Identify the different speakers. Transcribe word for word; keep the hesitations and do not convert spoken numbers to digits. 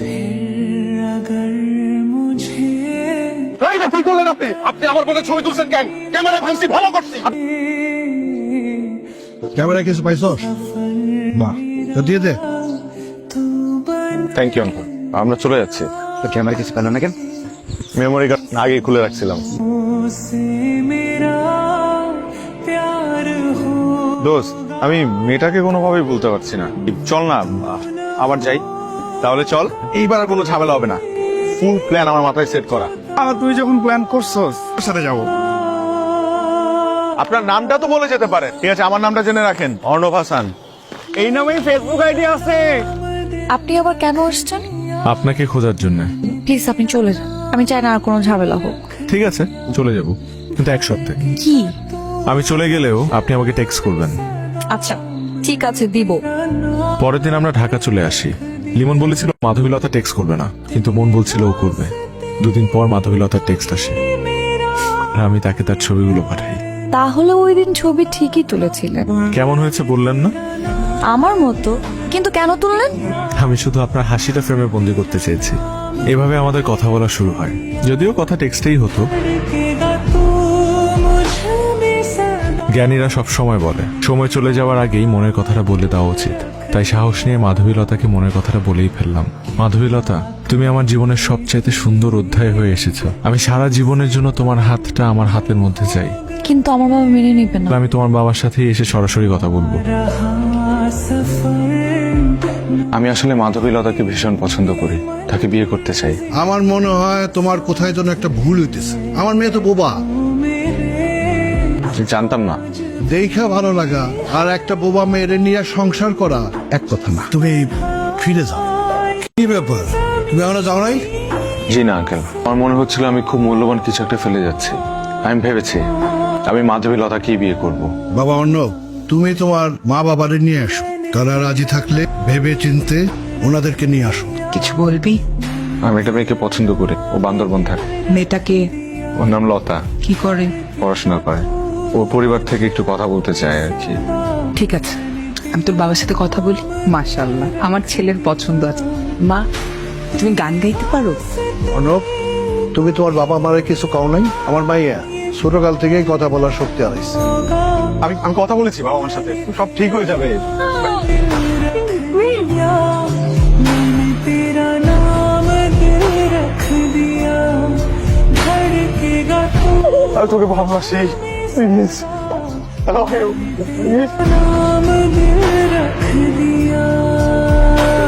Speaker 1: কি করলেন আপনি? আপনি আমার বোনের ছবি তুলছেন কেন? ক্যামেরা ভাঙছি, ভালো করছি।
Speaker 2: ক্যামেরা কিছু পাইছস? বাহ, তো দিয়ে দে।
Speaker 1: থ্যাংক ইউ আঙ্কেল, আমরা চলে যাচ্ছি।
Speaker 2: তো ক্যামেরা কিছু পেল না কেন?
Speaker 1: মেমোরি কার্ড আগেই খুলে রাখছিলাম। দোস্ত, আমি মেয়েটাকে কোনোভাবেই বলতে পারছি না। চল না আবার যাই। তাহলে চল, এইবার আর কোনো ঝামেলা হবে না। ফুল প্ল্যান আমার মাথায় সেট করা।
Speaker 2: আর তুই যখন প্ল্যান করছস তোর সাথে যাবো।
Speaker 1: আপনার নামটা তো বলে যেতে পারেন। ঠিক আছে, আমার নামটা জেনে রাখেন, অর্ণব হাসান।
Speaker 2: এই নামেই ফেসবুক আইডি আছে।
Speaker 3: আপনি আবার কেন আসছেন?
Speaker 4: আপনাকে খোঁজার জন্য।
Speaker 3: প্লিজ আপনি চলে যান, আমি চাই না আর কোনো ঝামেলা হোক।
Speaker 4: ঠিক আছে, চলে যাব, কিন্তু এক সপ্তাহে।
Speaker 3: কি?
Speaker 4: আমি চলে গেলেও আপনি আমাকে টেক্সট করবেন।
Speaker 3: আচ্ছা ঠিক আছে, দিব।
Speaker 4: পরের দিন আমরা ঢাকা চলে আসি। লিমন বলেছিল মাধবীলতা টেক্সট করবে না, কিন্তু মন বলছিল ও করবে। দুদিন পর মাধবীলতার টেক্সট আসে, আর আমি তাকে তার ছবিগুলো পাঠাই।
Speaker 3: তাহলে ওই দিন ছবি ঠিকই তুলেছিলেন।
Speaker 4: কেমন হয়েছে বললেন না?
Speaker 3: আমার মতো, কিন্তু কেন তুললেন?
Speaker 4: আমি শুধু আপনার হাসিটা ফ্রেমে বন্দি করতে চেয়েছি। এভাবে আমাদের কথা বলা শুরু হয়, যদিও কথা টেক্সটেই হতো। জ্ঞানীরা সব সময় বলে সময় চলে যাওয়ার আগেই মনের কথাটা বলে দেওয়া উচিত। তাই সাহস নিয়ে মাধবীলতাকে মনের কথাটা বলেই ফেললাম। মাধবীলতা, তুমি আমার জীবনের সবচাইতে সুন্দর অধ্যায় হয়ে এসেছো। আমি সারা জীবনের জন্য তোমার হাতটা আমার হাতের মধ্যে চাই।
Speaker 3: কিন্তু আমার বাবা মেনে নিবে না।
Speaker 4: আমি তোমার বাবার সাথে এসে সরাসরি কথা বলবো।
Speaker 1: আমি আসলে মাধবীলতাকে ভীষণ পছন্দ করি, তাকে বিয়ে করতে চাই।
Speaker 2: আমার মনে হয় তোমার কোথায় যেন একটা ভুল হইতেছে। আমার মেয়ে তো বোবা।
Speaker 1: জানতাম না।
Speaker 2: দেখা ভালো লাগা আর একটা বোবা মেয়ের নিয়ে সংসার করা এক কথা না। তুমি ফিরে যাও। কি ব্যাপার, তুমি এখনো যাও নাই?
Speaker 1: জি না আঙ্কেল, আমার মনে হচ্ছিল আমি খুব মূল্যবান কিছু একটা ফেলে যাচ্ছি। আমি ভেবেছি আমি মাধবীলতাকেই বিয়ে করব।
Speaker 2: বাবা অর্ণব, তুমি তোমার মা বাবারে নিয়ে আসো। তারা রাজি থাকলে ভেবে চিনতে ওনাদেরকে নিয়ে আসো।
Speaker 5: কিছু বলবি?
Speaker 1: আমি একটা মেয়েকে পছন্দ করি, ও বান্দরবন থাকে।
Speaker 5: মেয়েটাকে?
Speaker 1: ওর নাম লতা,
Speaker 5: কি করে?
Speaker 1: পড়াশোনা করে। ওর পরিবার থেকে একটু কথা বলতে চায় আর কি।
Speaker 5: ঠিক আছে, আমি তোর বাবার সাথে কথা বলি। মাশাআল্লাহ, আমার ছেলের পছন্দ আছে। মা, তুমি গান গাইতে পারো?
Speaker 2: অর্ণব, তুমি তোমার বাবা মারে কিছু কাও নাই? আমার মাইয়া ছোটকাল থেকেই কথা বলার শক্তি হারাইছে।
Speaker 1: আমি আমি কথা বলেছি বাবা আমার সাথে, সব ঠিক হয়ে যাবে। আমি তোকে ভালোবাসি, প্লিজ। I love you.